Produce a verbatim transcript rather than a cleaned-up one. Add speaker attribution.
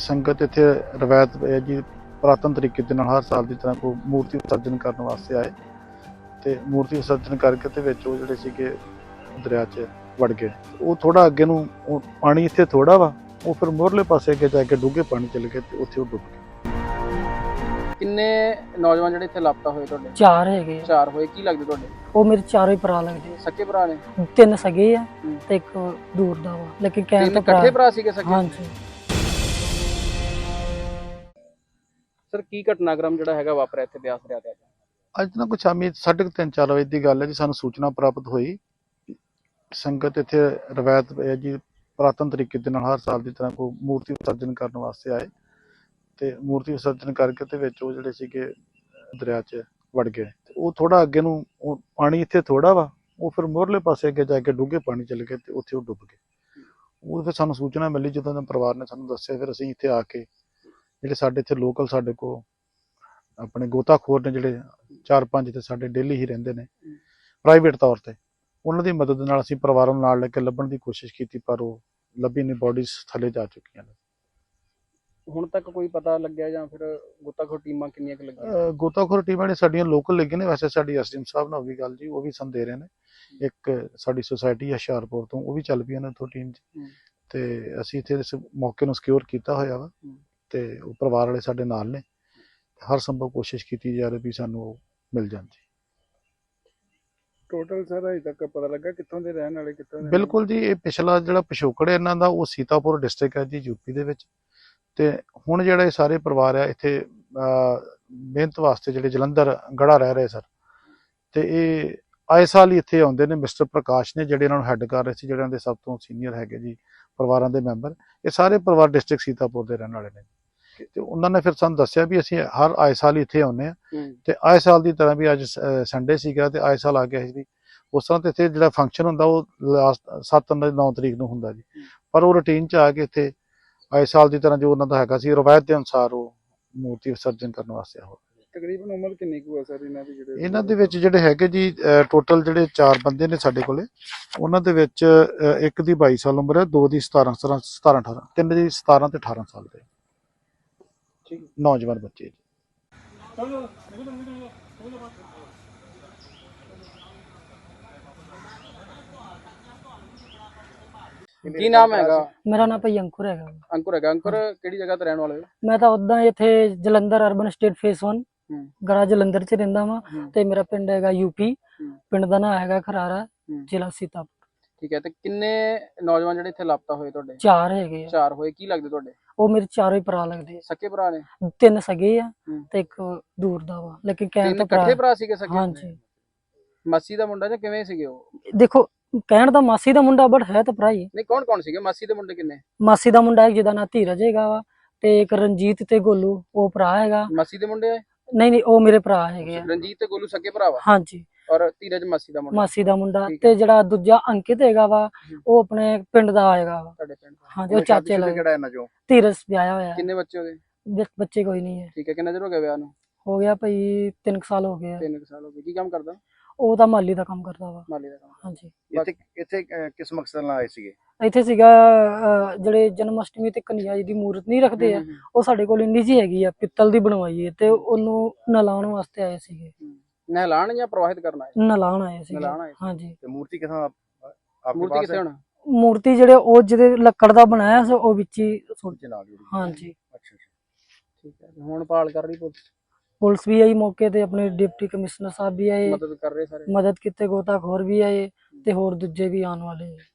Speaker 1: ਸੰਗਤ ਇੱਥੇ ਰਵਾਇਤ ਹੈ ਜੀ ਪੁਰਾਤਨ ਤਰੀਕੇ ਦੇ ਨਾਲ ਹਰ ਸਾਲ ਦੀ ਤਰ੍ਹਾਂ ਕੋਈ ਮੂਰਤੀ ਵਿਸਰਜਨ ਕਰਨ ਵਾਸਤੇ ਆਏ ਤੇ ਮੂਰਤੀ ਵਿਸਰਜਨ ਕਰਕੇ ਤੇ ਵਿੱਚ ਉਹ ਜਿਹੜੇ ਸੀਗੇ ਦਰਿਆ 'ਚ ਵੜ ਗਏ। ਉਹ ਥੋੜਾ ਅੱਗੇ ਨੂੰ ਉਹ ਪਾਣੀ ਇੱਥੇ ਥੋੜਾ ਵਾ, ਉਹ ਫਿਰ ਮੋਰਲੇ ਪਾਸੇ ਅੱਗੇ ਜਾ ਕੇ ਡੂੰਘੇ ਪਾਣੀ ਚਲੇ ਗਏ ਤੇ ਉੱਥੇ ਉਹ ਡੁੱਬ ਗਏ।
Speaker 2: ਕਿੰਨੇ ਨੌਜਵਾਨ ਜਿਹੜੇ ਇੱਥੇ ਲਾਪਤਾ ਹੋਏ ਤੁਹਾਡੇ?
Speaker 3: ਚਾਰ ਹੈਗੇ ਆ।
Speaker 2: ਚਾਰ ਹੋਏ। ਕੀ ਲੱਗਦੇ ਤੁਹਾਡੇ?
Speaker 3: ਉਹ ਮੇਰੇ ਚਾਰੋਂ ਹੀ ਭਰਾ ਲੱਗਦੇ
Speaker 2: ਸਕੇ ਭਰਾ ਨੇ?
Speaker 3: ਆ। ਤਿੰਨ ਸਗੇ ਆ
Speaker 2: ਹੂੰ।
Speaker 3: ਤੇ ਇੱਕ ਦੂਰ ਦਾ ਵਾ, ਲੇਕਿਨ ਕਹਿਣ
Speaker 2: ਤਿੰਨ
Speaker 3: ਤਾਂ
Speaker 2: ਇਕੱਠੇ ਭਰਾ ਸੀਗੇ ਸਕੇ?
Speaker 3: ਹਾਂਜੀ।
Speaker 2: ਸਰ ਕੀ ਘਟਨਾਕ੍ਰਮ ਜਿਹੜਾ ਹੈਗਾ ਵਾਪਰਿਆ ਇੱਥੇ ਬਿਆਸ ਦਰਿਆ ਤੇ?
Speaker 1: ਅੱਜ ਨਾ ਕੁਛ ਸ਼ਾਮੀ ਸਾਢੇ ਕੁ ਤਿੰਨ ਚਾਰ ਵਜੇ ਦੀ ਗੱਲ ਹੈ ਜੀ, ਸਾਨੂੰ ਸੂਚਨਾ ਪ੍ਰਾਪਤ ਹੋਈ। ਸੰਗਤ ਇੱਥੇ ਰਵਾਇਤ ਹੈ ਜੀ ਪੁਰਾਤਨ ਤਰੀਕੇ ਦੇ ਨਾਲ ਹਰ ਸਾਲ ਦੀ ਤਰ੍ਹਾਂ ਕੋਈ ਮੂਰਤੀ ਵਿਸਰਜਨ ਕਰਨ ਵਾਸਤੇ ਆਏ ਤੇ ਮੂਰਤੀ ਵਿਸਰਜਨ ਕਰਕੇ ਤੇ ਵਿੱਚ ਉਹ ਜਿਹੜੇ ਸੀਗੇ ਦਰਿਆ 'ਚ ਵੜ ਗਏ। ਉਹ ਥੋੜਾ ਅੱਗੇ ਨੂੰ ਉਹ ਪਾਣੀ ਇੱਥੇ ਥੋੜਾ ਵਾ, ਉਹ ਫਿਰ ਮੋਰਲੇ ਪਾਸੇ ਅੱਗੇ ਜਾ ਕੇ ਡੂੰਘੇ ਪਾਣੀ ਚਲੇ ਗਏ ਤੇ ਉੱਥੇ ਉਹ ਡੁੱਬ ਗਏ। ਉਹ ਫਿਰ ਸਾਨੂੰ ਸੂਚਨਾ ਮਿਲੀ, ਜਦੋਂ ਪਰਿਵਾਰ ਨੇ ਸਾਨੂੰ ਦੱਸਿਆ ਫਿਰ ਅਸੀਂ ਇੱਥੇ ਆ ਕੇ ਜਿਹੜੇ ਸਾਡੇ ਇੱਥੇ ਲੋਕਲ ਸਾਡੇ ਕੋਲ ਆਪਣੇ ਗੋਤਾਖੋਰ ਨੇ ਜਿਹੜੇ ਚਾਰ ਪੰਜ ਤੇ ਸਾਡੇ ਡੇਲੀ ਹੀ ਰਹਿੰਦੇ ਨੇ ਪ੍ਰਾਈਵੇਟ ਤੌਰ ਤੇ, ਉਹਨਾਂ ਦੀ ਮਦਦ ਨਾਲ ਅਸੀਂ ਪਰਿਵਾਰਾਂ ਨੂੰ ਨਾਲ ਲੈ ਕੇ ਲੱਭਣ ਦੀ ਕੋਸ਼ਿਸ਼ ਕੀਤੀ, ਪਰ ਉਹ ਲੱਭੀ ਨਹੀਂ, ਬੋਡੀਜ਼ ਥੱਲੇ ਜਾ ਚੁੱਕੀਆਂ ਨੇ।
Speaker 2: ਹੁਣ ਤੱਕ ਕੋਈ ਪਤਾ ਲੱਗਿਆ ਜਾਂ ਫਿਰ ਗੋਤਾਖੋਰ ਟੀਮਾਂ ਕਿੰਨੀਆਂ ਕੁ ਲੱਗੀਆਂ?
Speaker 1: ਗੋਤਾਖੋਰ ਟੀਮਾਂ ਨੇ ਸਾਡੀਆਂ ਲੋਕਲ ਲੱਗੀਆਂ ਨੇ, ਵੈਸੇ ਸਾਡੀ ਐਸਡੀਐਮ ਸਾਹਿਬ ਨਾਲ ਵੀ ਗੱਲ ਜੀ, ਉਹ ਵੀ ਸਾਨੂੰ ਦੇ ਰਹੇ ਨੇ। ਇੱਕ ਸਾਡੀ ਸੁਸਾਇਟੀ ਹੈ ਹੁਸ਼ਿਆਰਪੁਰ ਤੋਂ, ਉਹ ਵੀ ਚੱਲ ਪਈਆਂ ਨੇ ਉੱਥੋਂ ਟੀਮ 'ਚ, ਤੇ ਅਸੀਂ ਇੱਥੇ ਇਸ ਮੌਕੇ ਨੂੰ ਸਿਕਿਉਰ ਕੀਤਾ ਹੋਇਆ ਵਾ ਤੇ ਉਹ ਪਰਿਵਾਰ ਵਾਲੇ ਸਾਡੇ ਨਾਲ ਨੇ। ਹਰ ਸੰਭਵ ਕੋਸ਼ਿਸ਼ ਕੀਤੀ ਜਾ ਰਹੀ ਵੀ ਸਾਨੂੰ ਉਹ ਮਿਲ ਜਾਣ ਜੀ।
Speaker 2: ਟੋਟਲ ਸਰ ਅਜੇ ਤੱਕ ਪਤਾ ਲੱਗਾ ਕਿੱਥੋਂ ਦੇ ਰਹਿਣ ਵਾਲੇ ਕਿੱਥੋਂ ਦੇ?
Speaker 1: ਬਿਲਕੁਲ ਜੀ, ਇਹ ਪਿਛਲਾ ਜਿਹੜਾ ਪਿਛੋਕੜ ਹੈ ਇਹਨਾਂ ਦਾ ਉਹ ਸੀਤਾਪੁਰ ਡਿਸਟ੍ਰਿਕਟ ਹੈ ਜੀ, ਯੂਪੀ ਦੇ ਵਿੱਚ। ਤੇ ਹੁਣ ਜਿਹੜਾ ਇਹ ਸਾਰੇ ਪਰਿਵਾਰ ਆ ਇੱਥੇ ਮਿਹਨਤ ਵਾਸਤੇ ਜਿਹੜੇ ਜਲੰਧਰ ਗੜਾ ਰਹਿ ਰਹੇ ਸਰ, ਤੇ ਇਹ ਆਏ ਸਾਲ ਹੀ ਇੱਥੇ ਆਉਂਦੇ ਨੇ। ਮਿਸਟਰ ਪ੍ਰਕਾਸ਼ ਨੇ ਜਿਹੜੇ ਇਹਨਾਂ ਨੂੰ ਹੈੱਡ ਕਰ ਰਹੇ ਸੀ, ਜਿਹੜਿਆਂ ਦੇ ਸਭ ਤੋਂ ਸੀਨੀਅਰ ਹੈਗੇ ਜੀ ਪਰਿਵਾਰਾਂ ਦੇ ਮੈਂਬਰ। ਇਹ ਸਾਰੇ ਪਰਿਵਾਰ ਡਿਸਟ੍ਰਿਕਟ ਸੀਤਾਪੁਰ ਦੇ ਰਹਿਣ ਵਾਲੇ ਨੇ ਤੇ ਉਹਨਾਂ ਨੇ ਫਿਰ ਸਾਨੂੰ ਦੱਸਿਆ ਵੀ ਅਸੀਂ ਹਰ ਆਏ ਸਾਲ ਹੀ ਇੱਥੇ ਆਉਂਦੇ ਆ ਤੇ ਆਏ ਸਾਲ ਦੀ ਤਰ੍ਹਾਂ ਵੀ ਅੱਜ ਸੰਡੇ ਸੀਗਾ ਤੇ ਆਏ ਸਾਲ ਆ ਗਿਆ ਸੀ। ਉਸ ਤਰ੍ਹਾਂ ਤੇ ਇੱਥੇ ਜਿਹੜਾ ਫੰਕਸ਼ਨ ਹੁੰਦਾ ਉਹ ਲਾਸਟ ਸੱਤ ਨੌ ਤਰੀਕ ਨੂੰ ਹੁੰਦਾ ਜੀ, ਪਰ ਉਹ ਰੂਟੀਨ 'ਚ ਆ ਕੇ ਇੱਥੇ ਆਏ ਸਾਲ ਦੀ ਤਰ੍ਹਾਂ ਜੋ ਉਹਨਾਂ ਦਾ ਹੈਗਾ ਸੀ ਰਵਾਇਤ ਦੇ ਅਨੁਸਾਰ ਉਹ ਮੂਰਤੀ ਵਿਸਰਜਨ ਕਰਨ ਵਾਸਤੇ ਆਏ।
Speaker 2: ਤਕਰੀਬਨ ਉਮਰ ਕਿੰਨੀ ਕੁ ਹੈ ਸਰ ਇਹਨਾਂ ਦੀ? ਜਿਹੜੇ
Speaker 1: ਇਹਨਾਂ ਦੇ ਵਿੱਚ ਜਿਹੜੇ ਹੈਗੇ ਜੀ ਟੋਟਲ ਜਿਹੜੇ ਚਾਰ ਬੰਦੇ ਨੇ ਸਾਡੇ ਕੋਲੇ, ਉਹਨਾਂ ਦੇ ਵਿੱਚ ਇੱਕ ਦੀ ਬਾਈ ਸਾਲ ਉਮਰ ਹੈ, ਦੋ ਦੀ ਸਤਾਰਾਂ ਸਤਾਰਾਂ ਸਤਾਰਾਂ ਅਠਾਰਾਂ, ਤਿੰਨ ਦੀ ਸਤਾਰਾਂ ਤੇ ਅਠਾਰਾਂ ਸਾਲ ਦੇ ਨੌਜਵਾਨ ਬੱਚੇ ਜੀ।
Speaker 2: ਕੀ ਨਾਮ ਹੈਗਾ?
Speaker 3: ਮੇਰਾ ਨਾਮ ਭਾਈ ਅੰਕੁਰ ਹੈਗਾ।
Speaker 2: ਅੰਕੁਰ ਹੈਗਾ। ਅੰਕੁਰ ਕਿਹੜੀ ਜਗ੍ਹਾ ਤੇ ਰਹਿਣ ਵਾਲੇ ਹੋ?
Speaker 3: ਮੈਂ ਤਾਂ ਉਦਾਂ ਇੱਥੇ Jalandhar urban estate phase one Garha Jalandhar 'ਚ ਰਹਿੰਦਾ ਵਾਂ ਤੇ ਮੇਰਾ ਪਿੰਡ ਹੈਗਾ ਯੂਪੀ। ਪਿੰਡ ਦਾ ਨਾਂ ਹੈਗਾ ਖਰਾਰਾ, ਜ਼ਿਲ੍ਹਾ ਸੀਤਾਪੁਰ।
Speaker 2: ਠੀਕ ਹੈ। ਤੇ ਕਿੰਨੇ ਨੌਜਵਾਨ ਜਿਹੜੇ ਇੱਥੇ ਲਾਪਤਾ ਹੋਏ ਤੁਹਾਡੇ?
Speaker 3: ਚਾਰ ਹੈਗੇ ਆ।
Speaker 2: ਚਾਰ ਹੋਏ। ਕੀ ਲੱਗਦੇ ਤੁਹਾਡੇ?
Speaker 3: ਉਹ ਮੇਰੇ ਚਾਰੋਂ ਹੀ ਭਰਾ ਲੱਗਦੇ ਆ।
Speaker 2: ਸਕੇ ਭਰਾ ਨੇ?
Speaker 3: ਤਿੰਨ ਸਗੇ ਆ ਤੇ ਇੱਕ ਦੂਰ ਦਾ ਵਾ, ਲੇਕਿਨ ਕਹਿਣ ਤਾਂ
Speaker 2: ਇਕੱਠੇ ਭਰਾ ਸੀਗੇ ਸਕੇ?
Speaker 3: ਹਾਂਜੀ।
Speaker 2: ਮਾਸੀ ਦਾ ਮੁੰਡਾ ਜਾਂ ਕਿਵੇਂ ਸੀਗੇ ਉਹ?
Speaker 3: ਦੇਖੋ ਕਹਿਣ ਦਾ ਮਾਸੀ ਦਾ ਮੁੰਡਾ, ਬਟ ਹੈ ਤਾਂ ਭਰਾ ਹੀ।
Speaker 2: ਨਹੀਂ, ਕੌਣ ਕੌਣ ਸੀਗੇ ਮਾਸੀ ਦੇ ਮੁੰਡੇ? ਕਿੰਨੇ?
Speaker 3: ਮਾਸੀ ਦਾ ਮੁੰਡਾ ਜਿਹਦਾ ਨਾਂ ਧੀਰਜ ਹੈਗਾ ਵਾ, ਤੇ ਇੱਕ ਰਣਜੀਤ ਤੇ ਗੋਲੂ, ਉਹ ਭਰਾ ਹੈਗਾ।
Speaker 2: ਮਾਸੀ ਦੇ ਮੁੰਡੇ?
Speaker 3: ਨਹੀਂ ਨਹੀਂ, ਉਹ ਮੇਰੇ ਭਰਾ ਹੈਗੇ ਆ।
Speaker 2: ਰਣਜੀਤ ਤੇ ਗੋਲੂ ਸਕੇ ਭਰਾ ਵਾ?
Speaker 3: ਹਾਂਜੀ।
Speaker 2: ਔਰ ਧੀਰਜ ਮਾਸੀ ਦਾ ਮੁੰਡਾ?
Speaker 3: ਮਾਸੀ ਦਾ ਮੁੰਡਾ। ਤੇ ਜਿਹੜਾ ਦੂਜਾ ਅੰਕਿਤ ਹੈਗਾ ਵਾ, ਉਹ ਆਪਣੇ ਪਿੰਡ ਦਾ ਹੈਗਾ ਵਾ।
Speaker 2: ਤੁਹਾਡੇ ਪਿੰਡ ਦਾ?
Speaker 3: ਹਾਂਜੀ, ਉਹ ਚਾਚੇ ਲੱਗਦਾ।
Speaker 2: ਕਿਹੜਾ ਇਹਨਾਂ ਚੋਂ?
Speaker 3: ਧੀਰਜ ਵਿਆਹਿਆ ਹੋਇਆ।
Speaker 2: ਕਿੰਨੇ ਬੱਚੇ ਹੋ ਗਏ?
Speaker 3: ਬੱਚੇ ਕੋਈ ਨਹੀਂ ਹੈ।
Speaker 2: ਠੀਕ ਹੈ। ਕਿੰਨਾ ਚਿਰ ਹੋ ਗਿਆ ਵਿਆਹ ਨੂੰ?
Speaker 3: ਹੋ ਗਿਆ ਭਾਈ ਤਿੰਨ ਸਾਲ ਹੋ ਗਏ।
Speaker 2: ਤਿੰਨ ਸਾਲ ਹੋ ਗਏ। ਕੀ ਕੰਮ ਕਰਦਾ?
Speaker 3: ਉਹ ਤਾਂ ਮਾਲੀ ਦਾ ਕੰਮ ਕਰਦਾ ਵਾ।
Speaker 2: ਮਾਲੀ ਦਾ ਕੰਮ।
Speaker 3: ਹਾਂਜੀ।
Speaker 2: ਇੱਥੇ ਇੱਥੇ ਕਿਸ ਮਕਸਦ ਨਾਲ ਆਏ ਸੀਗੇ?
Speaker 3: ਇੱਥੇ ਸੀਗਾ ਜਿਹੜੇ ਜਨਮ ਅਸ਼ਟਮੀ ਤੇ ਕਨਿਆ ਜੀ ਦੀ ਮੂਰਤ ਨਹੀਂ ਰੱਖਦੇ ਆ, ਉਹ ਸਾਡੇ ਕੋਲ ਇੰਨੀ ਜੀ ਹੈਗੀ ਆ, ਪਿੱਤਲ ਦੀ ਬਣਵਾਈ ਹੈ, ਤੇ ਉਹਨੂੰ ਨਲਾਉਣ ਵਾਸਤੇ ਆਏ ਸੀਗੇ।
Speaker 2: ਨਹਿਲਾਣ ਜਾਂ ਪ੍ਰਵਾਹਿਤ ਕਰਨਾ?
Speaker 3: ਨਲਾਉਣ ਆਏ ਸੀਗੇ।
Speaker 2: ਨਲਾਉਣ ਆਏ।
Speaker 3: ਹਾਂਜੀ।
Speaker 2: ਤੇ ਮੂਰਤੀ ਕਿਥੋਂ? ਮੂਰਤੀ ਕਿੱਥੇ ਹੁਣ?
Speaker 3: ਮੂਰਤੀ ਜਿਹੜੇ ਉਹ ਜਿਹਦੇ ਲੱਕੜ ਦਾ ਬਣਾਇਆ ਸੀ, ਉਹ ਵਿੱਚ ਹੀ ਸੁੱਟ
Speaker 2: ਨਾਲ।
Speaker 3: ਹਾਂਜੀ।
Speaker 2: ਅੱਛਾ ਅੱਛਾ। ਠੀਕ ਹੈ। ਹੁਣ ਭਾਲ ਕਰ ਰਹੀ ਪੁਲਿਸ?
Speaker 3: ਪੁਲਿਸ ਵੀ ਆਈ ਮੌਕੇ ਤੇ, ਆਪਣੇ ਡਿਪਟੀ ਕਮਿਸ਼ਨਰ ਸਾਹਿਬ ਵੀ ਆਏ,
Speaker 2: ਮਦਦ ਕਰ ਰਹੇ ਸਾਰੇ,
Speaker 3: ਮਦਦ ਕੀਤੇ, ਗੋਤਾਖੋਰ ਵੀ ਆਏ ਤੇ ਹੋਰ ਦੂਜੇ ਵੀ ਆਉਣ ਵਾਲੇ।